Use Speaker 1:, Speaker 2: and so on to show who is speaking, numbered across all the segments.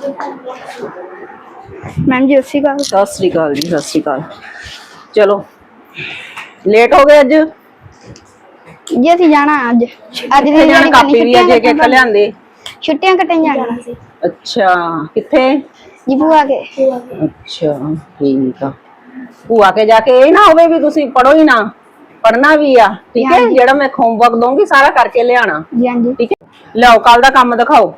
Speaker 1: Ma'am जी अस्सी का
Speaker 2: सत श्री अकाल जी, सत श्री अकाल। चलो लेट हो गए अज
Speaker 1: जी असि जाना अज अज दी
Speaker 2: जाना कापी भी अज एक लियांदे
Speaker 1: छुट्टियां कटन जाना सी।
Speaker 2: अच्छा किथे
Speaker 1: जी बुआ के।
Speaker 2: अच्छा ठीक आ। भूआ के जाके ये ना होवे भी तुसी पढ़ो ही ना, पढ़ना भी आ ठीक है। जेड़ा मैं होमवर्क दूंगी सारा करके ले आना ठीक है। लाओ कल दा काम दिखाओ।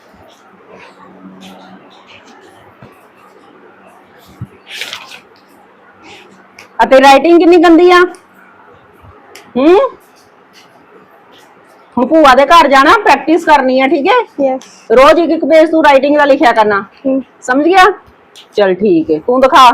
Speaker 2: अते राइटिंग कितनी गंदी आ। हुण भूआ दे घर जाना, प्रैक्टिस करनी है ठीक है।
Speaker 1: यस
Speaker 2: रोज एक एक पेज तू राइटिंग का लिखा करना, समझ गया। चल ठीक है, तू दिखा।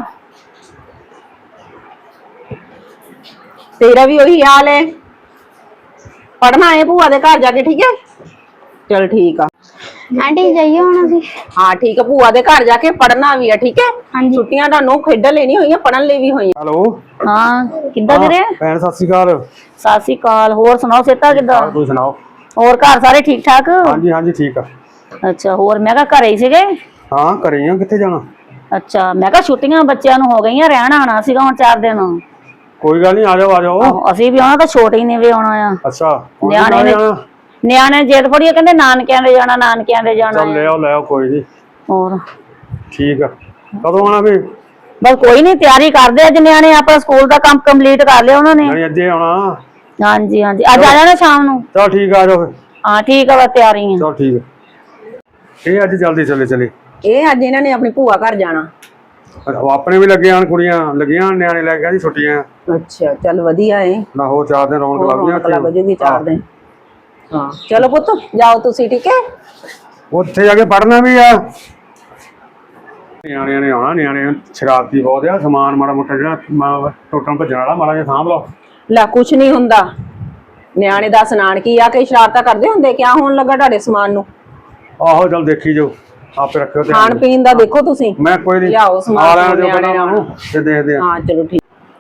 Speaker 2: तेरा भी वही हाल है, पढ़ना है भूआ दे घर जाके ठीक है। चल ठीक है
Speaker 1: आंटी जाइए होना सी।
Speaker 2: हाँ ठीक है, भूआ दे घर जाके पढ़ना भी है ठीक है।
Speaker 1: हाँ जी
Speaker 2: छुट्टियां तुहानू खेडन ਲਈ नहीं होईयां, पढ़न ਲਈ भी होईयां।
Speaker 3: हेलो
Speaker 4: हाँ किद्दां ਵੀਰੇ
Speaker 3: भैन सत श्री अकाल।
Speaker 4: सत श्री अकाल। होर सुनाओ सेता किद्दां?
Speaker 3: तुसीं सुनाओ।
Speaker 4: होर घर सारे ठीक ठाक?
Speaker 3: हाँ जी हाँ जी ठीक है।
Speaker 4: अच्छा होर मैं कहा घरे ही सीगे?
Speaker 3: हाँ घरे ही कित्थे जाना।
Speaker 4: अच्छा मैं कहा छुट्टियां बच्चों नूं हो गईयां, रहण आना सीगा हुण 4 दिन।
Speaker 3: कोई गल नहीं, आ जाओ आ जाओ।
Speaker 4: ਅਸੀਂ ਵੀ ਆਉਣਾ ਤਾਂ ਛੋਟੇ ਹੀ ਨੇ ਵੀ ਆਉਣਾ ਆ।
Speaker 3: अच्छा
Speaker 4: ਨਿਆਣੇ ਜਿੱਦ ਫੜੀ ਕਹਿੰਦੇ ਨਾਨਕਿਆਂ ਦੇ ਜਾਣਾ, ਨਾਨਕਿਆਂ ਦੇ ਜਾਣਾ।
Speaker 3: चल ले आओ कोई नहीं।
Speaker 4: ਹੋਰ
Speaker 3: ठीक है, कदों आना फिर?
Speaker 4: ਬਸ ਕੋਈ ਨਹੀਂ ਤਿਆਰੀ ਕਰਦੇ ਅੱਜ ਨਿਆਣੇ ਆਪਣਾ ਸਕੂਲ ਦਾ ਕੰਮ ਕੰਪਲੀਟ ਕਰ ਲਿਆ ਉਹਨਾਂ ਨੇ।
Speaker 3: नहीं अजे आना।
Speaker 4: ਹਾਂਜੀ ਹਾਂਜੀ ਅੱਜ ਆ ਜਾਣਾ ਸ਼ਾਮ ਨੂੰ।
Speaker 3: चल ठीक है आ जाओ फिर।
Speaker 4: ਹਾਂ ਠੀਕ ਆ ਬਸ ਤਿਆਰੀ ਆ।
Speaker 3: चल ठीक है। ये अज जल्दी चले चले।
Speaker 2: ਇਹ ਅੱਜ ਇਹਨਾਂ ਨੇ ਆਪਣੀ ਭੂਆ ਘਰ ਜਾਣਾ।
Speaker 3: अपने भी लगे आन, कुड़ियां लगियां न्याणे लैके जी छुट्टियां।
Speaker 2: अच्छा चल वधिया है
Speaker 3: ना हो 4 दिन रौनक लग
Speaker 2: लग जूगी 4 दिन। हाँ चलो पुत जाओ तुसी ठीक है।
Speaker 3: उत्थे जाके पढ़ना भी है। न्याणे ने आना, न्याणे शरारती बहुत है। समान माड़ा मोटा जिहड़ा टुटण भज्जण वाला माड़ा जिहा सांभ लो।
Speaker 2: ला कुछ नहीं हुंदा, ਨਿਆਣੇ ਦਾ ਸਨਾਨ ਕੀ ਆ ਕੇ ਸ਼ਰਾਰਤਾਂ ਕਰਦੇ ਹੁੰਦੇ। ਕਿਆ ਹੋਣ ਲੱਗਾ ਤੁਹਾਡੇ ਸਮਾਨ ਨੂੰ?
Speaker 3: ਆਹੋ ਚਲ ਦੇਖੀ ਜਾਓ, ਆਪੇ ਰੱਖਿਓ ਧਿਆਨ।
Speaker 2: ਖਾਣ ਪੀਣ ਦਾ ਦੇਖੋ ਤੁਸੀਂ।
Speaker 3: ਮੈਂ ਕੋਈ ਨਹੀਂ
Speaker 2: ਲਿਆਓ ਸਮਾਨ
Speaker 3: ਆ ਲੈਣ ਦਿਓ
Speaker 2: ਨਿਆਣੇ
Speaker 3: ਪਹਿਲਾਂ ਉਹਨੂੰ ਤੇ ਦੇਖਦੇ ਆ।
Speaker 2: ਹਾਂ ਚਲੋ ਠੀਕ।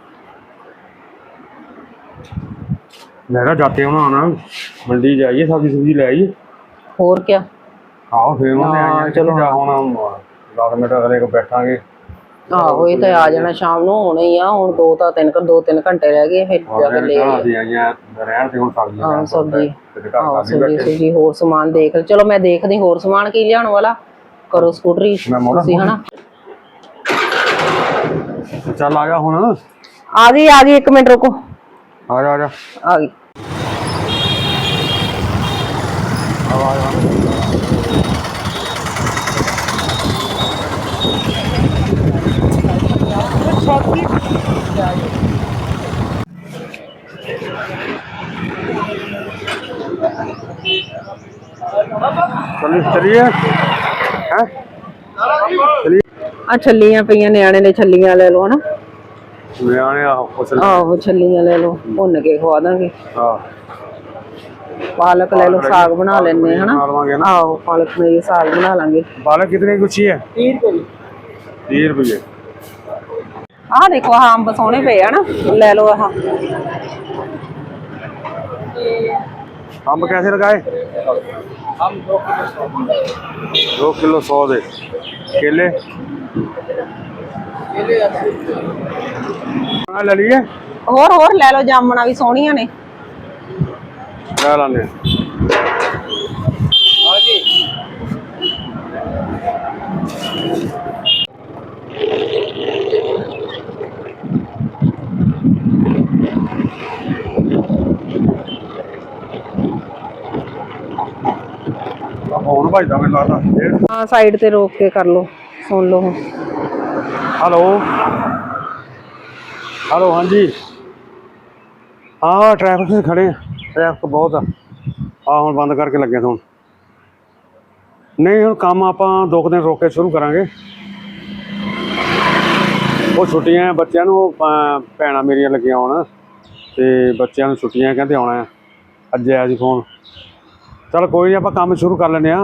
Speaker 3: मैं कहा जाते होना आना, मंडी जाइए सब्जी सुब्जी ले आइए।
Speaker 2: और क्या
Speaker 3: आओ फिर उन्होंने
Speaker 2: हाँ,
Speaker 3: चलो
Speaker 2: चलो।
Speaker 3: होना 10 मिनट अगले को बैठांगे।
Speaker 2: ਆਹੋ ਇਹ ਤਾਂ ਆ ਜਾਣਾ ਸ਼ਾਮ ਨੂੰ ਹੋਣਾ ਹੀ ਆ। ਹੁਣ 2-3 ਘੰਟੇ ਰਹਿ ਗਏ ਫਿਰ ਜਾ ਕੇ ਲੈ ਆਈਏ।
Speaker 3: ਅਸੀਂ ਆਈਆਂ ਰਹਿਣ ਤੇ ਹੁਣ ਸਬਜ਼ੀ
Speaker 2: ਹਾਂ ਸਬਜ਼ੀ ਸਬਜ਼ੀ ਹੋਰ ਸਮਾਨ ਦੇਖ। ਚਲੋ ਮੈਂ ਦੇਖਦੀ ਹੋਰ ਸਮਾਨ ਕੀ ਲਿਆਉਣ ਵਾਲਾ। ਕਰੋ ਸਕੂਟਰੀ ਤੁਸੀਂ ਹਨਾ।
Speaker 3: ਚੱਲ ਆ ਗਿਆ ਹੁਣ।
Speaker 2: ਆ ਗਈ 1 ਮਿੰਟ ਰੁਕੋ।
Speaker 3: ਆ ਜਾ
Speaker 2: ਆ ਗਈ।
Speaker 3: चलिए
Speaker 2: ਆ ਛੱਲੀਆਂ ਪਈਆਂ, ਨਿਆਣੇ ਨੇ ਛੱਲੀਆਂ ਲੈ ਲਓ ਹਨਾ।
Speaker 3: ਨਿਆਣੇ
Speaker 2: ਆਹੋ ਛੱਲੀਆਂ ਲੈ ਲਓ, ਭੁੰਨ ਕੇ ਖਵਾ ਦਾਂਗੇ। पालक ले लो, साग बना लेने है ना। आओ पालक में ये साग बना लेंगे।
Speaker 3: पालक कितने की है? 30 रुपये।
Speaker 2: हाँ देखो हाँ अंब सोने पे है ना, ले लो। हाँ
Speaker 3: अंब कैसे लगाए? 2 किलो 100 दे। केले ले लिए।
Speaker 2: होर ले लो, जामना भी सोनिया ने।
Speaker 3: लाने भाई मैं लाता।
Speaker 2: हाँ साइड ते रोक के कर लो, सुन लो।
Speaker 3: हेलो हेलो हाँ जी। हाँ ट्रैफिक से खड़े हैं, ट्रैफिक बहुत आ हम बंद करके लगे थे। नहीं हम काम आप 2 दिन रोक के शुरू करांगे। वो छुट्टियां बच्चों भैन मेरिया लगियां आउण ते बच्चों छुट्टियां कहते आना है। अज आया जी फोन। चल कोई नहीं, आप काम शुरू कर लें।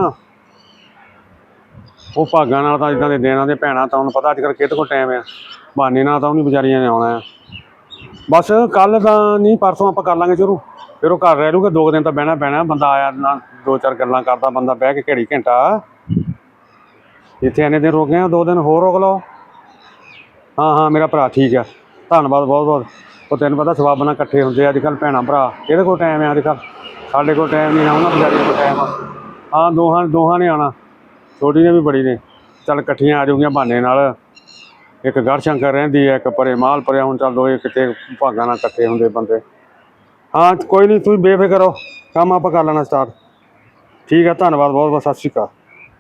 Speaker 3: वो भागां नाल तां इदां दे दिन आंदे, भैणां तां उन्हें पता अजकल किहदे कोल टाइम है, बहाने नाल तां उन्हीं बेचारियां ने आउणा है। बस कल तां नहीं परसों आप कर लांगे शुरू। फिर वो घर रह लूगा 2 दिन तो बहना पैना। बंदा आया ना 2-4 गल्लां करदा, बंदा बह के घड़ी घंटा ਇੱਥੇ ਇੰਨੇ ਦਿਨ ਰੁਕੇ ਆ, 2 ਦਿਨ ਹੋਰ ਰੁਕ ਲਓ। ਹਾਂ ਮੇਰਾ ਭਰਾ ਠੀਕ ਆ, ਧੰਨਵਾਦ ਬਹੁਤ ਬਹੁਤ। ਉਹ ਤੈਨੂੰ ਪਤਾ ਸਵਾਬ ਨਾਲ ਇਕੱਠੇ ਹੁੰਦੇ ਅੱਜ ਕੱਲ੍ਹ ਭੈਣਾਂ ਭਰਾ, ਇਹਦੇ ਕੋਲ ਟਾਈਮ ਹੈ ਅੱਜ ਕੱਲ੍ਹ, ਸਾਡੇ ਕੋਲ ਟਾਈਮ ਨਹੀਂ ਨਾ, ਉਹਨਾਂ ਵਿਚਾਰੀਆਂ ਕੋਲ ਟਾਈਮ ਆ। ਹਾਂ ਦੋਹਾਂ ਨੇ ਆਉਣਾ, ਛੋਟੀ ਨੇ ਵੀ ਬੜੀ ਨੇ, ਚੱਲ ਇਕੱਠੀਆਂ ਆ ਜਾਊਗੀਆਂ ਬਹਾਨੇ ਨਾਲ। ਇੱਕ ਗੜਸ਼ੰਕਰ ਰਹਿੰਦੀ ਹੈ, ਇੱਕ ਪਰੇ ਮਾਲ ਪਰਿਆ, ਹੁਣ ਚੱਲ ਦੋਏ ਕਿਤੇ ਭਾਗਾਂ ਨਾਲ ਇਕੱਠੇ ਹੁੰਦੇ ਬੰਦੇ। ਹਾਂ ਕੋਈ ਨਹੀਂ, ਤੁਸੀਂ ਬੇਫਿਕਰ ਹੋ, ਕੰਮ ਆਪਾਂ ਕਰ ਲੈਣਾ ਸਟਾਰਟ। ਠੀਕ ਹੈ, ਧੰਨਵਾਦ ਬਹੁਤ ਬਹੁਤ, ਸਤਿ ਸ਼੍ਰੀ ਅਕਾਲ।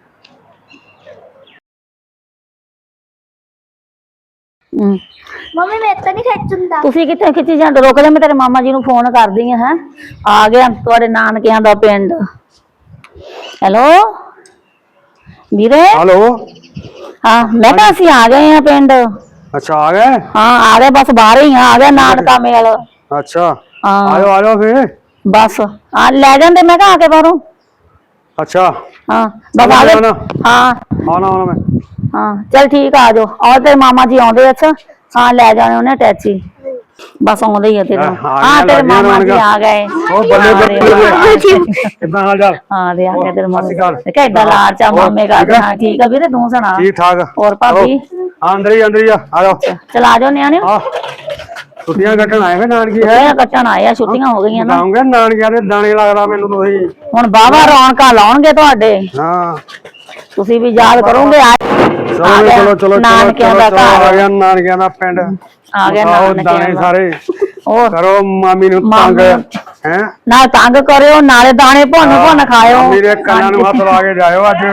Speaker 1: ਮੰਮੀ ਮੇਰੇ ਤਾਂ ਨਹੀਂ ਖਿੱਚਦਾ।
Speaker 4: ਤੁਸੀਂ ਕਿੱਥੇ ਖਿੱਚੀ ਜਾਂਦੇ? ਰੁਕ ਜਾ, ਮੈਂ ਤੇਰੇ ਮਾਮਾ ਜੀ ਨੂੰ ਫੋਨ ਕਰਦੀ ਹਾਂ। ਆ ਗਿਆ ਤੁਹਾਡੇ ਨਾਨਕਿਆਂ ਦਾ ਪਿੰਡ। ਹੈਲੋ ਵੀਰੇ।
Speaker 3: ਹੈਲੋ।
Speaker 4: ਹਾਂ ਮੈਂ ਕਿਹਾ ਅਸੀਂ ਆ ਗਏ ਆ ਪਿੰਡ।
Speaker 3: ਅੱਛਾ ਆ ਗਏ?
Speaker 4: ਹਾਂ ਆ ਗਏ, ਬਸ ਬਾਹਰ ਹੀ ਆ ਗਿਆ ਨਾਨਕਾ ਮੇਲ।
Speaker 3: ਅੱਛਾ
Speaker 4: ਹਾਂ
Speaker 3: ਆ ਜਾਓ ਫਿਰ।
Speaker 4: ਬਸ ਆ ਲੈ ਜਾਂਦੇ ਮੈਂ ਕਿਹਾ ਆ ਕੇ ਬਾਹਰੋਂ।
Speaker 3: ਅੱਛਾ
Speaker 4: ਹਾਂ ਬਸ ਆ ਗਏ। ਹਾਂ
Speaker 3: ਆਉਣਾ ਮੈਂ।
Speaker 4: ਹਾਂ ਚਲ ਠੀਕ ਆ ਜਾਓ। ਔਰ ਤੇਰੇ ਮਾਮਾ ਜੀ ਆਉਂਦੇ। ਅੱਛਾ ਹਾਂ ਲੈ ਜਾਣੇ ਉਹਨੇ ਟੈਚੀ, ਬਸ ਆਉਂਦੇ ਹੀ ਆ ਤੇਰੇ। ਹਾਂ ਤੇਰੇ ਮਾਮਾ ਜੀ ਆ ਗਏ।
Speaker 3: ਉਹ ਬੱਲੇ ਬੱਲੇ, ਕਿੱਦਾਂ ਹਾਲ ਚਾਲ?
Speaker 4: ਹਾਂ ਦੇ ਆ ਗਏ ਤੇਰੇ ਮਾਮਾ। ਦੇਖਿਆ ਏਦਾਂ ਲਾਡ ਚਾ ਮਾਮੇ ਕਰਦੇ। ਹਾਂ ਠੀਕ ਆ ਵੀਰੇ, ਤੂੰ ਸੁਣਾ?
Speaker 3: ਠੀਕ ਠਾਕ।
Speaker 4: ਹੋਰ ਭਾਬੀ?
Speaker 3: ਅੰਦਰ ਹੀ ਆ, ਆ ਜਾਓ।
Speaker 4: ਚਲ ਆ ਜਾਓ ਨਿਆਣੇ।
Speaker 3: ਛੁੱਟੀਆਂ ਕੱਟਣ ਆਏ ਫੇ ਨਾਨਕੀ?
Speaker 4: ਛੁੱਟੀਆਂ ਕੱਟਣ ਆਏ ਆ, ਛੁੱਟੀਆਂ ਹੋ ਗਈਆਂ ਨਾ।
Speaker 3: ਆਉਂਗੇ ਨਾਨਕਿਆਂ ਦੇ ਦਾਣੇ ਲੱਗਦਾ ਮੈਨੂੰ ਤੁਸੀਂ।
Speaker 4: ਹੁਣ ਬਾਵਾ ਰੌਣਕਾਂ ਲਾਉਣਗੇ ਤੁਹਾਡੇ।
Speaker 3: ਹਾਂ
Speaker 4: ਤੁਸੀਂ ਵੀ ਯਾਦ ਕਰੋਗੇ।
Speaker 3: ਚਲੋ ਚਲੋ
Speaker 4: ਨਾਨਕਿਆਂ ਦਾ ਘਰ
Speaker 3: ਆ ਗਿਆ, ਨਾਨਕਿਆਂ ਦਾ ਪਿੰਡ
Speaker 4: ਆ ਗਿਆ।
Speaker 3: ਦਾਣੇ ਸਾਰੇ
Speaker 4: ਹੋਰ
Speaker 3: ਕਰੋ ਮਾਮੀ ਨੂੰ ਤੰਗ ਹੈ
Speaker 4: ਨਾ, ਤੰਗ ਕਰਿਓ ਨਾਲੇ ਦਾਣੇ ਭੁੰਨ ਖਾਇਓ।
Speaker 3: ਮੇਰੇ ਕੰਨਾਂ ਨੂੰ ਹੱਥ ਲਾ ਕੇ ਜਾਇਓ ਅੱਜ।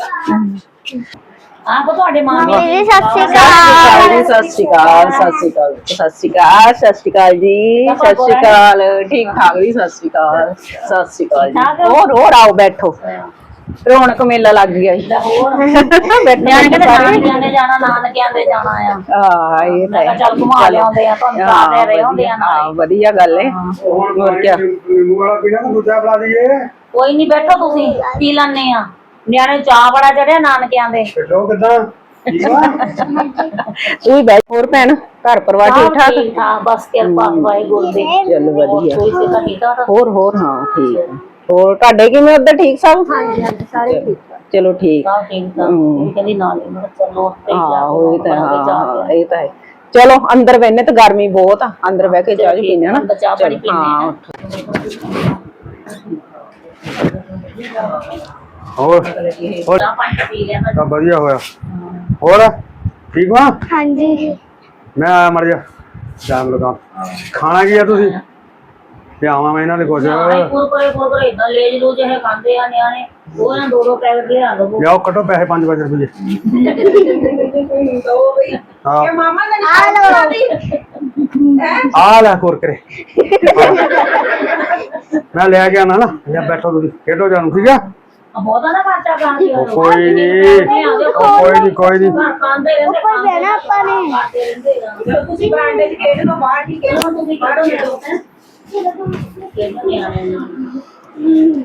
Speaker 4: ਆਪ ਤੁਹਾਡੇ ਮਾਮੇ
Speaker 1: ਜੀ ਸਤਿ ਸ਼੍ਰੀ ਅਕਾਲ।
Speaker 2: ਸਤਿ ਸ਼੍ਰੀ ਅਕਾਲ, ਸਤਿ ਸ਼੍ਰੀ ਅਕਾਲ, ਸਤਿ ਸ਼੍ਰੀ ਅਕਾਲ, ਸਤਿ ਸ਼੍ਰੀ ਅਕਾਲ ਜੀ, ਸਤਿ ਸ਼੍ਰੀ ਅਕਾਲ। ਠੀਕ ਠਾਕ ਜੀ, ਸਤਿ ਸ਼੍ਰੀ ਅਕਾਲ, ਸਤਿ ਸ਼੍ਰੀ ਅਕਾਲ ਜੀ। ਹੋਰ ਆਓ ਬੈਠੋ, ਰੌਣਕ ਮੇਲਾ ਲੱਗ ਗਿਆ ਜੀ।
Speaker 4: ਨਿਆਣੇ ਕਹਿੰਦੇ ਨਾਨਕਿਆਂ ਦੇ ਜਾਣਾ, ਨਾਨਕਿਆਂ ਦੇ ਜਾਣਾ ਆ।
Speaker 2: ਹਾਂ ਇਹ ਤਾਂ ਹੈ।
Speaker 4: ਚੱਲ ਘੁਮਾ ਲਿਆਉਂਦੇ ਆ, ਤੁਹਾਨੂੰ ਸਾਥ ਰਹੇ ਹੁੰਦੇ ਆ ਨਾਲ।
Speaker 2: ਹਾਂ ਵਧੀਆ ਗੱਲ ਹੈ। ਹੋਰ ਕੀ
Speaker 3: ਨਿੰਬੂ ਵਾਲਾ ਪੀਣਾ ਤਾਂ ਦੂਜਾ ਬਣਾ ਦਈਏ।
Speaker 4: ਕੋਈ ਨਹੀਂ ਬੈਠੋ, ਤੁਸੀਂ ਪੀ ਲੈਣੇ ਆ। ਨਿਆਣੇ ਚਾਹ ਬੜਾ ਚੜਿਆ ਨਾਨਕਿਆਂ ਦੇ।
Speaker 3: ਛੱਡੋ ਕਿੱਦਾਂ ਠੀਕ ਆ?
Speaker 2: ਤੂੰ ਵੀ ਬੈਠ। ਹੋਰ ਭੈਣ ਘਰ ਪਰਿਵਾਰ ਠੀਕ ਠਾਕ?
Speaker 4: ਹਾਂ ਬਸ ਕਿਰਪਾ ਵਾਹਿਗੁਰੂ ਦੀ।
Speaker 2: ਚੱਲ ਵਧੀਆ।
Speaker 4: ਠੀਕ ਆ।
Speaker 2: ਹੋਰ ਹਾਂ ਠੀਕ ਹੈ। ਹੋਰ ਤੁਹਾਡੇ ਕਿਵੇਂ ਉੱਧਰ ਠੀਕ ਸਭ?
Speaker 1: ਹਾਂਜੀ ਸਾਰੇ ਠੀਕ ਆ।
Speaker 2: ਚਲੋ ਠੀਕ।
Speaker 4: ਹਾਂ ਠੀਕ ਆ। ਕਹਿੰਦੀ ਨਾਲ ਹੀ ਮੈਂ ਚਲੋ ਉੱਤੇ
Speaker 2: ਹਾਂ ਇਹ ਤਾਂ ਹੈ। ਚਲੋ ਅੰਦਰ ਬੈਠਨੇ ਤੇ ਗਰਮੀ ਬਹੁਤ ਆ, ਅੰਦਰ ਬਹਿ ਕੇ ਚਾਹ ਪੀਨੇ ਆ ਨਾ।
Speaker 4: ਚਾਹ ਪਾਣੀ ਪੀਨੇ ਆ।
Speaker 3: ਹੋਰ
Speaker 4: ਚਾਹ ਪਾਣੀ ਪੀ ਲਿਆ ਮੈਂ।
Speaker 3: ਤਾਂ ਵਧੀਆ ਹੋਇਆ। ਹੋਰ ਠੀਕ ਵਾ?
Speaker 1: ਹਾਂਜੀ
Speaker 3: ਮੈਂ ਆਇਆ ਮਰ ਜਾ ਸ਼ਾਮ ਲਗਾ। ਖਾਣਾ ਕੀ ਆ ਤੁਸੀਂ? ਪਿਆਵਾਂ ਮੈਂ ਇਹਨਾਂ ਦੇ ਕੁਝ।
Speaker 4: ਕੁਰਕਰੇ ਇਦਾਂ ਲੇਜ ਲੂਜ ਇਹ ਖਾਂਦੇ ਆ ਨਿਆਣੇ। ਉਹ ਨਾ 2 ਪੈਕਟ ਲਿਆ ਦੋ।
Speaker 3: ਲਿਆਓ ਕੱਟੋ ਪੈਸੇ 5 ਰੁਪਏ। ਹਾਂ
Speaker 2: ਇਹ ਮਾਮਾ ਨੇ
Speaker 3: ਆ ਲੈ ਕੁਰਕਰੇ ਮੈਂ ਲੈ ਕੇ ਆਣਾ ਨਾ। ਜਾਂ ਬੈਠੋ ਤੁਸੀਂ ਖੇਡੋ ਜਾਨੂੰ, ਠੀਕ ਆ?
Speaker 4: ਬਹੁਤਾ ਨਾ ਖਰਚਾ ਕਰਦੇ ਹੋ।
Speaker 3: ਕੋਈ ਨਹੀਂ
Speaker 4: ਘਰ ਖਾਂਦੇ ਰਹਿੰਦੇ।
Speaker 1: ਉੱਪਰ ਬਹਿਣਾ ਆਪਾਂ ਨੇ।
Speaker 4: ਖਾਂਦੇ ਰਹਿੰਦੇ ਆ। ਜਦੋਂ ਤੁਸੀਂ ਬਰਾਂਡੇ 'ਚ ਖੇਡ ਲਓ ਬਾਹਰ ਠੀਕ ਹੈ। ਤੁਸੀਂ ਬਾਹਰੋਂ ਖੇਡੋ ਹੈ। ਖੇਡੋ ਨਿਆਣੇ ਨੂੰ।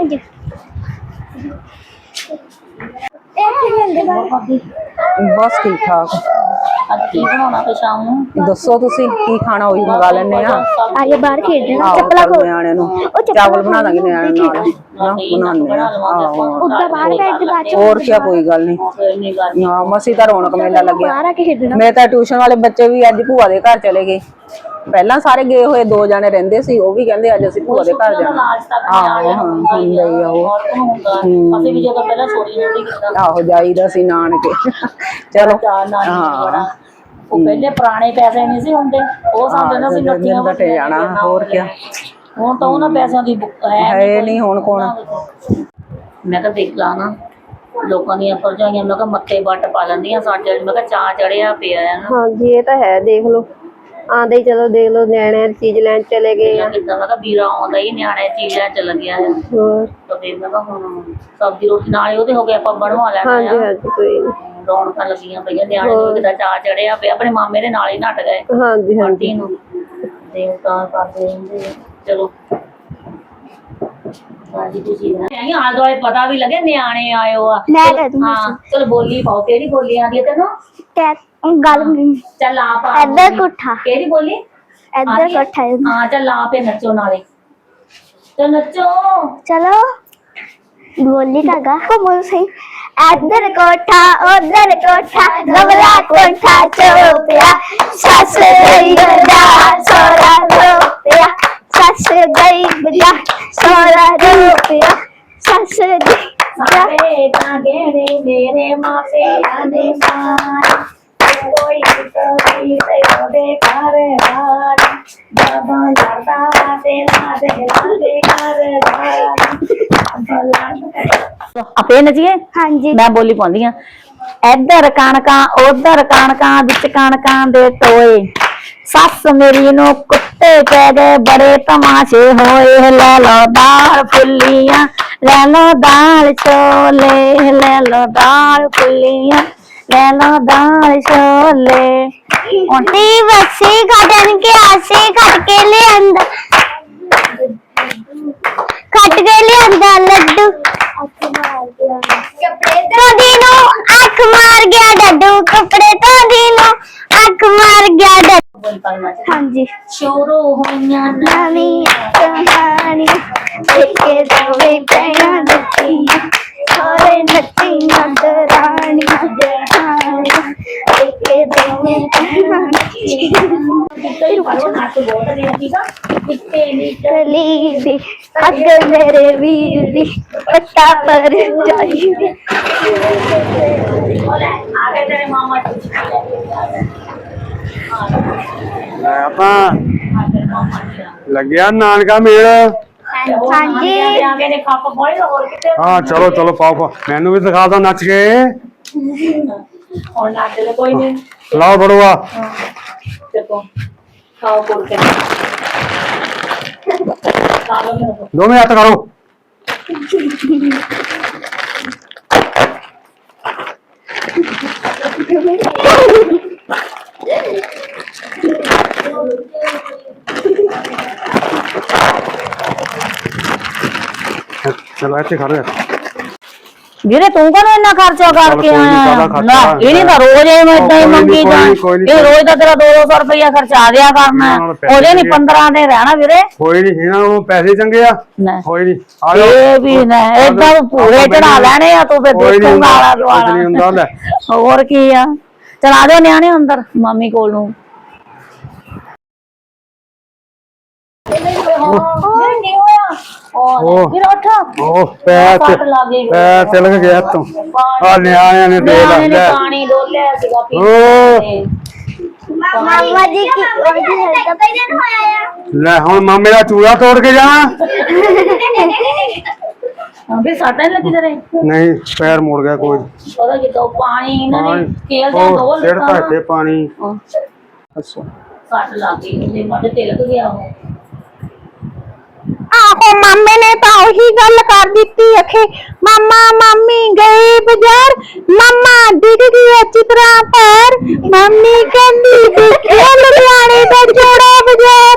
Speaker 2: ਬਸ ਠੀਕ ਠਾਕ।
Speaker 4: ਅੱਜ ਕੀ ਬਣਾਉਣਾ ਫਿਰ ਸ਼ਾਮ ਨੂੰ?
Speaker 2: ਦੱਸੋ ਤੁਸੀਂ ਕੀ ਖਾਣਾ, ਉਹੀ ਮੰਗਾ ਲੈਣੇ ਆ।
Speaker 1: ਆਏ ਬਾਹਰ ਖੇਡਣਾ।
Speaker 2: ਚੱਪਲਾਂ ਖੋਲ ਨਿਆਣਿਆਂ ਨੂੰ ਚਾਵਲ ਬਣਾ ਦਾਂਗੇ ਨਿਆਣਿਆਂ ਨਾਲ ਬਣਾਉਂਦੇ ਆ।
Speaker 1: ਉੱਦਾਂ ਬਾਹਰ ਬੈਠ ਕੇ ਬਾਅਦ ਚ
Speaker 2: ਹੋਰ ਕੀ, ਕੋਈ ਗੱਲ ਨਹੀਂ। ਹਾਂ ਮਸੀ ਤਾਂ ਰੌਣਕ ਮੇਲਾ ਲੱਗਿਆ।
Speaker 1: ਬਾਹਰ ਆ ਕੇ ਖੇਡਣਾ।
Speaker 2: ਮੇਰੇ ਤਾਂ ਟਿਊਸ਼ਨ ਵਾਲੇ ਬੱਚੇ ਵੀ ਅੱਜ ਭੂਆ ਦੇ ਘਰ ਚਲੇ ਗਏ। ਪਹਿਲਾਂ ਸਾਰੇ ਗਏ ਹੋਏ, 2 ਜਾਣੇ ਰਹਿੰਦੇ ਸੀ, ਉਹ ਵੀ ਕਹਿੰਦੇ ਅੱਜ ਅਸੀਂ ਭੂਆ ਦੇ ਘਰ ਜਾਣਾ।
Speaker 4: ਅਸੀਂ ਵੀ ਜਦੋਂ ਪਹਿਲਾਂ ਸੋਰੀ ਨਹੀਂ ਕੀਤਾ।
Speaker 2: ਆਹੋ ਜਾਈਦਾ ਸੀ ਨਾਨਕੇ। ਚਲੋ
Speaker 4: ਹਾਂ ਉਹ ਪਹਿਲੇ ਪੁਰਾਣੇ ਪੈਸੇ ਨਹੀਂ ਸੀ ਹੁੰਦੇ, ਉਹ ਸਾਨੂੰ ਨਾ ਸੀ ਨੱਤੀਆਂ
Speaker 2: ਘਟੇ ਜਾਣਾ। ਹੋਰ ਕੀ,
Speaker 4: ਹੁਣ ਤਾਂ ਉਹਨਾਂ ਪੈਸਿਆਂ ਦੀ
Speaker 2: ਹੈ ਨਹੀਂ ਹੁਣ ਕੌਣ।
Speaker 4: ਮੈਂ ਤਾਂ ਦੇਖ ਲਾ ਨਾ ਲੋਕਾਂ ਦੀਆਂ ਭਰਜਾਈਆਂ, ਮੈਂ ਕਿਹਾ ਮੱਥੇ ਵੱਟ ਪਾ ਲੈਂਦੀਆਂ ਸਾਡੇ। ਮੈਂ ਕਿਹਾ ਚਾਹ ਚੜਿਆ ਪਿਆ ਆ।
Speaker 1: ਹਾਂਜੀ ਇਹ ਤਾਂ ਹੈ। ਦੇਖ ਲਓ ਆਂਦੇ ਹੀ ਚਲੋ ਦੇਖ ਲਓ ਨਿਆਣੇ ਚੀਜ਼ ਲੈਣ ਚਲੇ ਗਏ ਆ।
Speaker 4: ਕਿੱਦਾਂ ਮੈਂ ਕਿਹਾ ਵੀਰਾ ਆਉਂਦਾ ਹੀ ਨਿਆਣੇ ਚੀਜ਼ ਲੈਣ ਚੱਲ ਗਿਆ ਆ।
Speaker 1: ਹੋਰ
Speaker 4: ਤਾਂ ਫਿਰ ਮੈਂ ਕਿਹਾ ਹੁਣ ਸਬਜ਼ੀ ਰੋਟੀ ਨਾਲ ਉਹਦੇ ਹੋ ਗਏ, ਆਪਾਂ ਬਣਵਾ ਲੈਣਾ ਆ।
Speaker 1: ਹਾਂਜੀ ਕੋਈ ਨੀ।
Speaker 4: ਰੌਣਕਾਂ ਲੱਗੀਆਂ ਪਈਆਂ, ਨਿਆਣੇ ਨੂੰ ਕਿੱਦਾਂ ਚਾਹ ਚੜਿਆ ਪਿਆ। ਆਪਣੇ ਮਾਮੇ ਦੇ ਨਾਲ ਹੀ ਨੱਟ ਗਏ
Speaker 1: ਹਾਂਜੀ
Speaker 4: ਆਂਟੀ ਨੂੰ। ਤੇ ਤਾਂ ਕਰਦੇ ਰਹਿੰਦੇ ਆ। ਚਲੋ ਹਾਂਜੀ ਤੁਸੀਂ ਆਲੇ ਦੁਆਲੇ ਪਤਾ ਵੀ ਲੱਗੇ ਨਿਆਣੇ ਆਇਓ ਆ। ਹਾਂ ਚਲ ਬੋਲੀ ਪਾਓ। ਕਿਹੜੀ ਬੋਲੀ ਆਉਂਦੀ ਹੈ ਤੈਨੂੰ?
Speaker 1: ਗੱਲ
Speaker 4: ਚੱਲ ਆ ਪਾ।
Speaker 1: ਇੱਧਰ ਕੋਠਾ।
Speaker 4: ਕਿਹੜੀ ਬੋਲੀ?
Speaker 1: ਇੱਧਰ ਕੋਠਾ।
Speaker 4: ਹਾਂ ਚੱਲ ਆ ਪੇ ਨੱਚੋ ਨਾਲੇ। ਚੱਲ ਨੱਚੋ।
Speaker 1: ਚਲੋ
Speaker 5: ਬੋਲੀ ਤਾਗਾ ਕੋਮਲ ਸਿੰਘ ਇੱਧਰ ਕੋਠਾ ਉੱਧਰ ਕੋਠਾ ਗਵਲਾ ਕੋਠਾ ਚੋਪਿਆ ਸੱਸ ਗਈ ਬਜਾ ਸੋਹਰਾ ਰੋਪਿਆ ਸੱਸ ਗਈ ਬਜਾ ਸੋਹਰਾ ਰੋਪਿਆ ਸੱਸ ਗਈ
Speaker 4: ਸਾਰੇ ਤਾਂਗੇ ਮੇਰੇ ਮਾਪਿਆਂ ਦੇ ਮਾਰ ਕੋਈ ਕੋਈ ਤੇ ਉਹਦੇ ਘਰ ਬਾਬਾ ਲੜਦਾ ਤੇ ਲਾਦੇ ਘਰ ਆਪੇ ਨਜੀਏ
Speaker 5: ਹਾਂਜੀ
Speaker 4: ਮੈਂ ਬੋਲੀ ਪਾਉਂਦੀ ਆ ਇੱਧਰ ਕਣਕਾਂ ਉਧਰ ਕਣਕਾਂ ਵਿੱਚ ਕਣਕਾਂ ਦੇ ਟੋਏ ਸੱਸ ਮੇਰੀ ਨੂੰ ਕੁੱਤੇ ਪੈ ਗਏ ਬੜੇ ਤਮਾਸ਼ੇ ਹੋਏ ਲੈ ਲੋ ਦਾਲ ਫੁੱਲੀਆਂ ਲੈ ਲੋ ਦਾਲ ਛੋਲੇ ਲੈ ਲੋ ਦਾਲ ਫੁੱਲੀਆਂ ਲੈ ਲੋ ਦਾਲ ਛੋਲੇ
Speaker 5: ਤੀ ਬੱਸੀ ਕੱਢਣ ਕੇ ਆਸੇ ਕੱਢ ਕੇ ਲਿਆਂਦਾ ਕੱਟ ਕੇ ਲਿਆਂਦਾ ਲੱਡੂ ਕੱਪੜੇ ਧੋਦੀ ਨੂੰ ਅੱਖ ਮਾਰ ਗਿਆ ਡੱਡੂ ਕੱਪੜੇ ਧੋਦੀ ਨੂੰ ਅੱਖ ਮਾਰ ਗਿਆ ਡੱਡੂ ਹਾਂਜੀ
Speaker 4: ਸ਼ੋਰੋ ਹੋਈਆਂ
Speaker 5: ਨਵੀਂ ਕਹਾਣੀ ਦੇਖੇ ਦੋਵੇਂ ਪੈਣਾ ਦਿੱਤੀਆਂ ਸਾਰੇ ਨੱਚੀਆਂ ਦਰਾਣੀਆਂ ਜਹਾਨੀਆਂ ਦੇਖੇ ਦੋਵੇਂ ਪੈਣਾ ਨਿਕਲੀ ਦੀ ਅੱਗ ਮੇਰੇ ਵੀਰ ਦੀ ਪੱਤਾ ਪਰ ਜਾਈ ਦੀ
Speaker 4: ਆਗੇ ਤੇਰੇ ਮਾਮਾ
Speaker 3: ਆਪਾਂ ਲੱਗਿਆ ਨਾਨਕਾ ਮੇਲ।
Speaker 5: ਹਾਂਜੀ
Speaker 4: ਆਗੇ ਨੇ ਖੱਪ ਫੋੜੇ ਹੋਰ ਕਿਤੇ
Speaker 3: ਹਾਂ ਚਲੋ ਚਲੋ ਪਾਓ ਮੈਨੂੰ ਵੀ ਦਿਖਾ ਦੋ ਨੱਚ ਕੇ।
Speaker 4: ਹੁਣ ਨਾਚ ਲੈ ਕੋਈ ਨਹੀਂ
Speaker 3: ਲਾਓ ਬੜੂਆ
Speaker 4: ਦੇਖੋ ਖਾਓ ਕੋਲ ਕੇ ਕਾਲੋ ਮੇਰੇ
Speaker 3: ਦੋਵੇਂ ਹੱਥ ਕਰੋ। ਚਲੋ ਇੱਥੇ ਖੜੋ।
Speaker 4: ਵੀਰੇ ਤੂੰ ਕਦੋਂ ਇੰਨਾ ਖਰਚਾ ਕਰਕੇ
Speaker 3: ਕੋਈ ਨੀ,
Speaker 4: ਆਇਆ
Speaker 3: ਕਾਹਦਾ ਖਰਚਾ
Speaker 4: ਨਾ ਇਹਨੇ ਤਾਂ ਰੋਜ਼ ਇਹ ਮੈਂ ਇਦਾਂ ਹੀ ਮੰਗੀ ਜਾਂ ਇਹ ਰੋਜ਼ ਦਾ ਤੇਰਾ 200 ਰੁਪਇਆ ਖਰਚਾ ਦਿਆ ਕਰਨਾ ਉਹਦੇ ਨਹੀਂ 15 ਦੇ ਰਹਿਣਾ ਵੀਰੇ
Speaker 3: ਕੋਈ ਨਹੀਂ ਇਹਨਾਂ ਨੂੰ ਪੈਸੇ ਚੰਗੇ ਆ
Speaker 4: ਨਾ
Speaker 3: ਕੋਈ ਨਹੀਂ ਆ ਜਾਓ।
Speaker 4: ਇਹ ਵੀ ਨਾ ਏਦਾਂ ਪੂਰੇ ਚੜਾ ਲੈਣੇ ਆ ਤੂੰ ਫਿਰ
Speaker 3: ਕੋਈ ਨੀ
Speaker 4: ਦੇਖੂਗਾ ਆਲਾ
Speaker 3: ਹੁੰਦਾ, ਕੁਛ ਨੀ ਹੁੰਦਾ ਲੈ।
Speaker 4: ਹੋਰ ਕੀ ਆ ਚਲਾ ਦੇ ਨਿਆਣੇ ਅੰਦਰ ਮਾਮੀ ਕੋਲ ਨੂੰ
Speaker 3: ਉਹ
Speaker 4: ਵੀਰ ਉੱਠ
Speaker 3: ਉਹ ਪੈਰ ਤਿਲਕ ਗਿਆ ਤੂੰ ਆ ਨਿਆਣਿਆਂ ਨੇ ਦੇ
Speaker 4: ਨਿਆਣੇ ਨੇ
Speaker 3: ਲੈ
Speaker 4: ਪਾਣੀ ਡੋਲਿਆ ਸੀਗਾ
Speaker 3: ਓ
Speaker 5: ਮਾਮਾ ਜੀ ਕੀ ਉਹਦੀ ਪਹਿਲਾਂ ਹੋਇਆ
Speaker 3: ਲੈ ਹੁਣ ਮਾਮੇ ਦਾ ਚੂੜਾ ਤੋੜ ਕੇ ਜਾਣਾ
Speaker 4: ਵੀ ਸਾਟਾਂ ਲੱਗੀ ਤੇਰੇ
Speaker 3: ਨਹੀਂ ਪੈਰ ਮੁੜ ਗਿਆ ਕੋਈ
Speaker 4: ਉਹਦਾ ਕਿਤੋਂ ਪਾਣੀ ਇਹਨਾਂ ਨੇ ਖੇਲ ਜਾਂ
Speaker 3: ਉਹ
Speaker 4: ਡੋਲ
Speaker 3: ਸਿਰ ਧੱਕੇ ਪਾਣੀ
Speaker 4: ਅੱਛਾ ਸੱਟ ਲੱਗ ਗਈ ਉਹਦੇ ਮੱਥੇ ਤਿਲਕ ਗਿਆ ਉਹ
Speaker 5: ਆਹੋ ਮਾਮੇ ਨੇ ਤਾਂ ਉਹੀ ਗੱਲ ਕਰ ਦਿੱਤੀ ਅਖੇ ਮਾਮਾ ਮਾਮੀ ਗਏ ਬਾਜ਼ਾਰ ਮਾਮਾ ਡਿੱਗ ਗਿਆ ਚਿਤਰਾ ਪੈਰ ਮੰਮੀ ਕਹਿੰਦੀ ਦੇਖਿਆ ਲੁਧਿਆਣੇ ਦਾ ਜੋੜਾ ਬਾਜ਼ਾਰ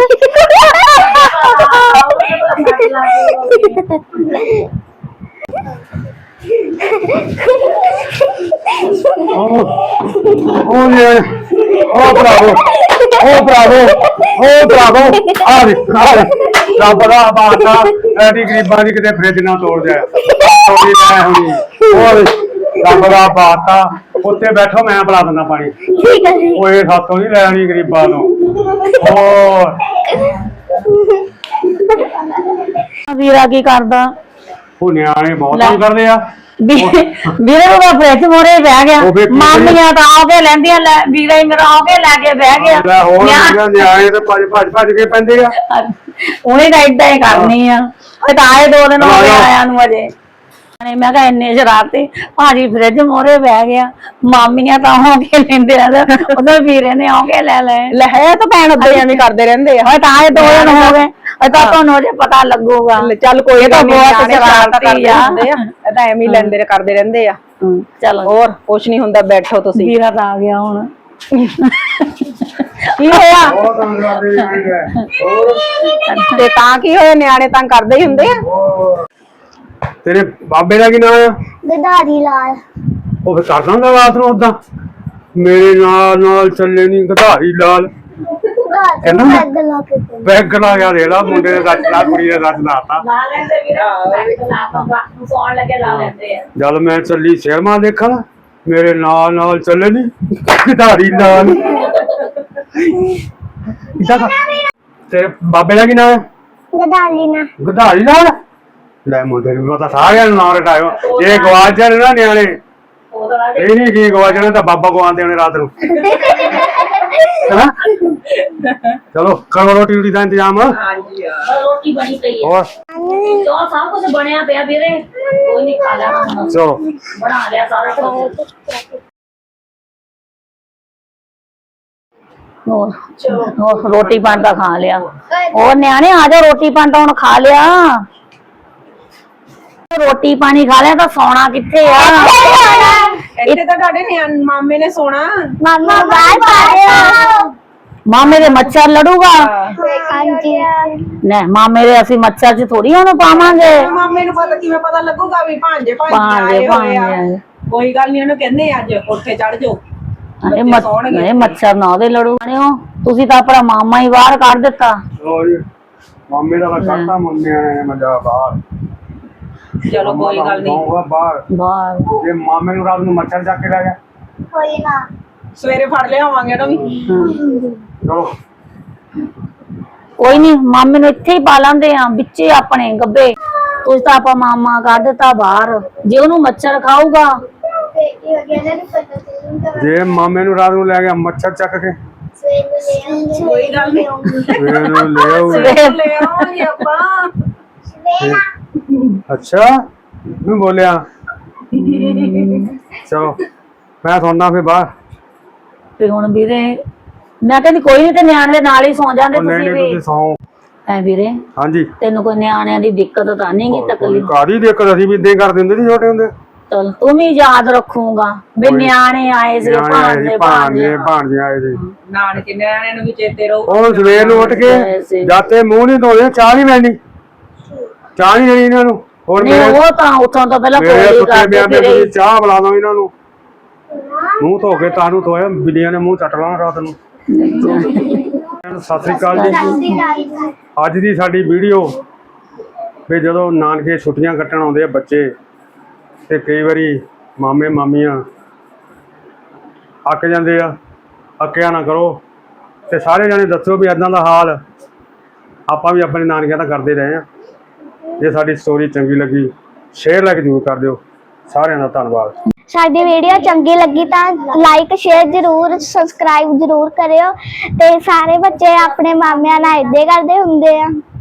Speaker 3: ਉਹ ਨੇ ਉਹ ਬਰਾਵੋ ਆ ਰੱਬ ਦਾ ਬਾਤਾ ਐਡੀ ਗਰੀਬਾਂ ਦੀ ਕਿਤੇ ਫ੍ਰਿਜ ਨਾ ਤੋੜ ਜਾਏ ਤੋੜੀ ਲੈ ਹੋਣੀ ਹੋਰ ਰੱਬ ਦਾ ਬਾਤਾ ਉੱਤੇ ਬੈਠੋ ਮੈਂ ਪਿਲਾ ਦਿੰਦਾ ਪਾਣੀ
Speaker 5: ਠੀਕ ਹੈ ਜੀ
Speaker 3: ਓਏ ਸਾਤੋਂ ਨਹੀਂ ਲੈਣੀ ਗਰੀਬਾਂ ਤੋਂ ਹੋਰ
Speaker 4: ਵੀਰਾ ਕੀ ਕਰਦਾ
Speaker 3: ਉਹ ਨਿਆਣੇ ਬਹੁਤ ਤੰਗ ਕਰਦੇ ਆ
Speaker 4: ਵੀਰੇ ਉਹਦਾ ਫ੍ਰਿਜ ਮੋਰੇ ਬਹਿ ਗਿਆ
Speaker 3: ਉਹ ਵੇਖੀ
Speaker 4: ਮਾਮੀਆਂ ਤਾਂ ਆ ਕੇ ਲੈਂਦੀਆਂ ਲੈ ਵੀਰਾ ਹੀ ਮੇਰਾ ਆ ਕੇ ਲੈ ਕੇ ਬਹਿ ਗਿਆ
Speaker 3: ਲੈ ਹੋਰ ਨਿਆਣੇ ਤੇ ਭੱਜ ਕੇ ਪੈਂਦੇ ਆ
Speaker 4: ਉਹਨੇ ਤਾਂ ਏਦਾਂ ਹੀ ਕਰਨੀ ਆ ਉਹ ਤਾਂ ਆਏ 2 ਦਿਨ ਹੋ ਗਏ ਆਇਆ ਨੂੰ ਅਜੇ ਮੈਂ ਕਿਹਾ ਇੰਨੇ ਸ਼ਰਾਰਤੀ ਭਾਜੀ ਫ੍ਰਿਜ ਮੋਰੇ ਬਹਿ ਗਿਆ ਮਾਮੀਆਂ ਤਾਂ ਹੋ ਕੇ ਲੈਂਦੇ ਆ ਉਹਦੇ ਵੀਰੇ ਨੇ ਆ ਕੇ ਲੈ ਹੈ ਤਾਂ ਭੈਣ ਉੱਤੇ ਐਵੇਂ ਕਰਦੇ ਰਹਿੰਦੇ ਆ ਤਾਂ ਆਏ 2 ਦਿਨ ਹੋ ਗਏ ਉਹ ਤਾਂ ਤੁਹਾਨੂੰ ਅਜੇ ਪਤਾ ਲੱਗੂਗਾ
Speaker 2: ਚੱਲ ਕੋਈ
Speaker 4: ਤਾਂ ਬਹੁਤ ਸ਼ਰਾਰਤੀ ਆ
Speaker 2: ਇਹ ਤਾਂ ਐਵੇਂ ਹੀ ਲੈਂਦੇ ਕਰਦੇ ਰਹਿੰਦੇ ਆ
Speaker 4: ਚਲੋ
Speaker 2: ਹੋਰ ਕੁਛ ਨਹੀਂ ਹੁੰਦਾ ਬੈਠੋ ਤੁਸੀਂ
Speaker 4: ਵੀਰਾ ਤਾਂ ਆ ਗਿਆ ਹੁਣ
Speaker 2: ਕੀ ਹੋਇਆ
Speaker 3: ਬਹੁਤ ਤੰਗ ਕਰਦੇ ਆ
Speaker 2: ਤੇ ਤਾਂ ਕੀ ਹੋਇਆ ਨਿਆਣੇ ਤੰਗ ਕਰਦੇ ਹੀ ਹੁੰਦੇ ਆ
Speaker 3: ਤੇਰੇ ਬਾਬੇ ਦਾ ਕੀ ਨਾਮ ਆ
Speaker 5: ਗਦਾਰੀ ਲਾਲ
Speaker 3: ਉਹ ਫਿਰ ਕਰ ਦਾਂਗਾ ਰਾਤ ਨੂੰ ਉਦਾਂ ਮੇਰੇ ਨਾਲ ਚੱਲੇ ਨਹੀਂ ਗਧਾਰੀ ਲਾਲ ਕਹਿੰਦਾ
Speaker 5: ਪੈਗ ਲਾ ਕੇ
Speaker 3: ਬੈਗ ਲਾ ਗਿਆ ਦੇਖ ਲਾ ਮੁੰਡੇ ਨੇ ਰੱਜ ਲਾ ਕੁੜੀ ਨੇ ਰੱਜ ਲਾਤਾ
Speaker 4: ਲਾ ਲੈਂਦੇ ਵੀਰੇ ਨੂੰ ਸੌਣ ਲੱਗੇ ਲਾ ਲੈਂਦੇ ਆ
Speaker 3: ਜਦ ਮੈਂ ਚੱਲੀ ਸਿਨੇਮਾ ਦੇਖਣ ਮੇਰੇ ਨਾਲ ਨਾਲ ਚੱਲੇ ਨੀ ਖਿਡਾਰੀ ਨਾਲ ਇਸਾ ਤੇਰੇ ਬਾਬੇ ਦਾ ਕੀ ਨਾਮ ਹੈ
Speaker 5: ਗਦਾਲੀ ਨਾ
Speaker 3: ਗਧਾਰੀ ਨਾਲ ਲੈ ਮੁੰਡੇ ਨੂੰ ਪਤਾ ਸਾਰਿਆਂ ਨੂੰ ਨਾਮ ਰਟਾਇਓ ਇਹ ਗਵਾਚ ਜਾਣ ਨਾ ਨਿਆਣੇ ਇਹ ਨਹੀਂ ਕੀ ਗਵਾਚ ਜਾਣਾ ਤਾਂ ਬਾਬਾ ਗਵਾਉਂਦੇ ਹੋਣੇ ਰਾਤ ਨੂੰ ਹੈਨਾ ਚਲੋ ਕਰੋ ਰੋਟੀ ਦਾ ਇੰਤਜ਼ਾਮ
Speaker 2: ਹਾਂਜੀ
Speaker 4: ਰੋਟੀ ਬਣੀ ਪਈ ਹੈ
Speaker 3: ਹੋਰ
Speaker 4: ਜੋ ਸਭ ਕੁਝ ਬਣਿਆ ਪਿਆ ਵੀਰੇ ਕੋਈ ਨਹੀਂ ਖਾ ਲੈਣਾ ਹੁਣ।
Speaker 3: ਚਲੋ
Speaker 4: ਬਣਾ ਲਿਆ ਸਾਰਾ ਕੁਝ ਹੋਰ ਰੋਟੀ ਪਾਣੀ ਤਾਂ ਖਾ ਲਿਆ ਹੋਰ ਨਿਆਣੇ ਆ ਜਾ ਰੋਟੀ ਪਾਣੀ ਤਾਂ ਹੁਣ ਖਾ ਲਿਆ ਰੋਟੀ ਪਾਣੀ ਖਾ ਲਿਆ ਤਾਂ ਸੌਣਾ ਕਿੱਥੇ ਆ
Speaker 2: ਇੱਥੇ ਤਾਂ ਤੁਹਾਡੇ ਮਾਮੇ ਨੇ ਸੋਣਾ
Speaker 5: ਮਾਮਾ ਬਾਹਰ ਪਾਇਆ
Speaker 4: ਮਾਮੇ ਦੇ ਮੱਛਰ ਲੜੂਗਾ
Speaker 5: ਹਾਂਜੀ
Speaker 4: ਨਾ ਮਾਮੇ ਦੇ ਅਸੀਂ ਮੱਛਰ ਚ ਥੋੜੀ ਉਹਨੂੰ ਪਾਵਾਂਗੇ
Speaker 2: ਮਾਮੇ ਨੂੰ ਪਤਾ ਕਿਵੇਂ ਪਤਾ ਲੱਗੂਗਾ ਵੀ ਭਾਂਜੇ
Speaker 4: ਭਾਂਜੇ
Speaker 2: ਆਏ ਹੋਏ ਆ
Speaker 4: ਭਾਂਜੇ
Speaker 2: ਕੋਈ ਗੱਲ ਨਹੀਂ ਉਹਨੂੰ ਕਹਿੰਦੇ ਅੱਜ ਉੱਥੇ ਚੜ ਜਾਓ
Speaker 4: ਇਹ ਮੱਛਰ ਨਾ ਉਹਦੇ ਲੜੂਗੇ ਤੁਸੀਂ ਤਾਂ ਆਪਣਾ ਮਾਮਾ ਹੀ ਬਾਹਰ ਕੱਢ ਦਿੱਤਾ
Speaker 3: ਚਲੋ ਜੀ ਮਾਮੇ ਦਾ ਕੱਟਾ ਮੰਮੇ ਨੇ ਮਜਾ ਬਾਹਰ
Speaker 2: ਚਲੋ ਕੋਈ ਗੱਲ ਨਹੀਂ
Speaker 3: ਜਾਊਗਾ ਬਾਹਰ
Speaker 4: ਬਾਹਰ
Speaker 3: ਜੇ ਮਾਮੇ ਨੂੰ ਰਾਤ ਨੂੰ ਮੱਛਰ ਚੱਕ ਕੇ ਲੈ ਗਿਆ
Speaker 5: ਕੋਈ ਨਾ
Speaker 2: ਸਵੇਰੇ ਫੜ ਲਿਆਵਾਂਗੇ ਨਾ ਵੀ
Speaker 3: ਚਲੋ
Speaker 4: ਕੋਈ ਨਹੀਂ ਮਾਮੇ ਨੂੰ ਇੱਥੇ ਹੀ ਪਾ ਲਾਂਦੇ ਆ ਵਿੱਚੇ ਆਪਣੇ ਗੱਬੇ ਤੁਸੀਂ ਤਾਂ ਆਪਾਂ ਮਾਮਾ ਕੱਢ ਦਿੱਤਾ ਬਾਹਰ ਜੇ ਉਹਨੂੰ ਮੱਛਰ ਖਾਊਗਾ
Speaker 5: ਬੇਟੀ ਹੋ ਗਿਆ ਨਾ ਪਤਾ ਚੱਲੂਗਾ
Speaker 3: ਜੇ ਮਾਮੇ ਨੂੰ ਰਾਤ ਨੂੰ ਲੈ ਗਿਆ ਮੱਛਰ ਚੱਕ ਕੇ
Speaker 5: ਸਵੇਰ ਨੂੰ
Speaker 2: ਕੋਈ ਗੱਲ ਨਹੀਂ
Speaker 3: ਫੇਰ ਇਹਨੂੰ ਲੈ ਆਊ
Speaker 2: ਲੈ ਆਵਾਂਗੇ ਆਪਾਂ
Speaker 3: ਅੱਛਾ ਮੈਂ ਬੋਲਿਆ ਚਲੋ ਮੈਂ ਸੌਂਦਾ ਫੇਰ ਬਾਹਰ
Speaker 4: ਤੇ ਹੁਣ ਵੀਰੇ ਮੈਂ ਕਹਿੰਦੀ ਕੋਈ ਨਹੀਂ ਤੇ ਨਿਆਣੇ ਦੇ ਨਾਲ ਹੀ ਸੌ ਜਾਂਦੇ
Speaker 3: ਉਹ ਨਹੀਂ
Speaker 4: ਤੁਸੀਂ
Speaker 3: ਨਹੀਂ
Speaker 4: ਵੀ
Speaker 3: ਤੁਸੀਂ ਸੌਂ
Speaker 4: ਐ ਵੀਰੇ
Speaker 3: ਹਾਂਜੀ
Speaker 4: ਤੈਨੂੰ ਕੋਈ ਨਿਆਣਿਆਂ ਦੀ ਦਿੱਕਤ ਤਾਂ ਨਹੀਂ ਗੀ ਤਕਲੀਫ
Speaker 3: ਕਾਦੀ ਦਿੱਕਤ ਅਸੀਂ ਵੀ ਇਦਾਂ ਕਰ ਦਿੰਦੇ ਸੀ ਛੋਟੇ ਹੁੰਦੇ
Speaker 4: ਚਲ ਤੂੰ ਵੀ ਯਾਦ ਰੱਖੂਗਾ ਵੀ ਨਿਆਣੇ ਆਏ ਸੀ ਭਾਂਡੇ
Speaker 3: ਭਾਂਡੇ ਆਏ ਸੀ
Speaker 2: ਨਾਨਕੇ ਨਿਆਣਿਆਂ ਨੂੰ ਵੀ ਚੇਤੇ ਰਹੂ
Speaker 3: ਉਹ ਸਵੇਰ ਨੂੰ ਉੱਠ ਕੇ ਜਾਤੇ ਮੂੰਹ ਨਹੀਂ ਧੋਦੇ ਚਾਹ ਨਹੀਂ ਲੈਣੀ ਚਾਹ ਨਹੀਂ ਦੇਣੀ ਇਹਨਾਂ ਨੂੰ ਹੋਰ
Speaker 4: ਨਹੀਂ ਉਹ ਤਾਂ ਉੱਥੋਂ ਤੋਂ ਪਹਿਲਾਂ
Speaker 3: ਮੇਰੇ
Speaker 4: ਕੋਈ
Speaker 3: ਸੁੱਤੇ ਬਿਆਂ
Speaker 4: ਕਰਦੇ
Speaker 3: ਤੇ ਚਾਹ ਬੁਲਾ ਦੋ ਇਹਨਾਂ ਨੂੰ ਮੂੰਹ ਧੋ ਕੇ ਤਾਨੂੰ ਧੋਇਆ ਬਿੱਲੀਆਂ ਨੇ ਮੂੰਹ ਚੱਟ ਲਾਣਾ ਰਾਤ ਨੂੰ ਸਤਿ ਸ੍ਰੀ ਅਕਾਲ ਜੀ ਅੱਜ ਦੀ ਸਾਡੀ ਵੀਡੀਓ ਵੀ ਜਦੋਂ ਨਾਨਕੇ ਛੁੱਟੀਆਂ ਕੱਟਣ ਆਉਂਦੇ ਆ ਬੱਚੇ ਤੇ ਕਈ ਵਾਰੀ ਮਾਮੇ ਮਾਮੀਆਂ ਅੱਕ ਜਾਂਦੇ ਆ ਅੱਕਿਆ ਨਾ ਕਰੋ ਤੇ ਸਾਰੇ ਜਾਣੇ ਦੱਸੋ ਵੀ ਇਦਾਂ ਦਾ ਹਾਲ ਆਪਾਂ ਵੀ ਆਪਣੇ ਨਾਨਕਿਆਂ ਦਾ ਕਰਦੇ ਰਹੇ ਆ ਜੇ ਸਾਡੀ ਸਟੋਰੀ ਚੰਗੀ ਲੱਗੀ ਸ਼ੇਅਰ ਲਾਈਕ ਜ਼ਰੂਰ ਕਰ ਦਿਓ ਸਾਰਿਆਂ ਦਾ ਧੰਨਵਾਦ
Speaker 5: ਸਾਡੀ ਵੀਡੀਓ ਚੰਗੀ ਲੱਗੀ ਤਾਂ ਲਾਈਕ ਸ਼ੇਅਰ ਜ਼ਰੂਰ ਸਬਸਕ੍ਰਾਈਬ ਜ਼ਰੂਰ ਕਰਿਓ ਤੇ ਸਾਰੇ ਬੱਚੇ ਆਪਣੇ ਮਾਮਿਆਂ ਨਾਲ ਏਦਾਂ ਕਰਦੇ ਹੁੰਦੇ ਆ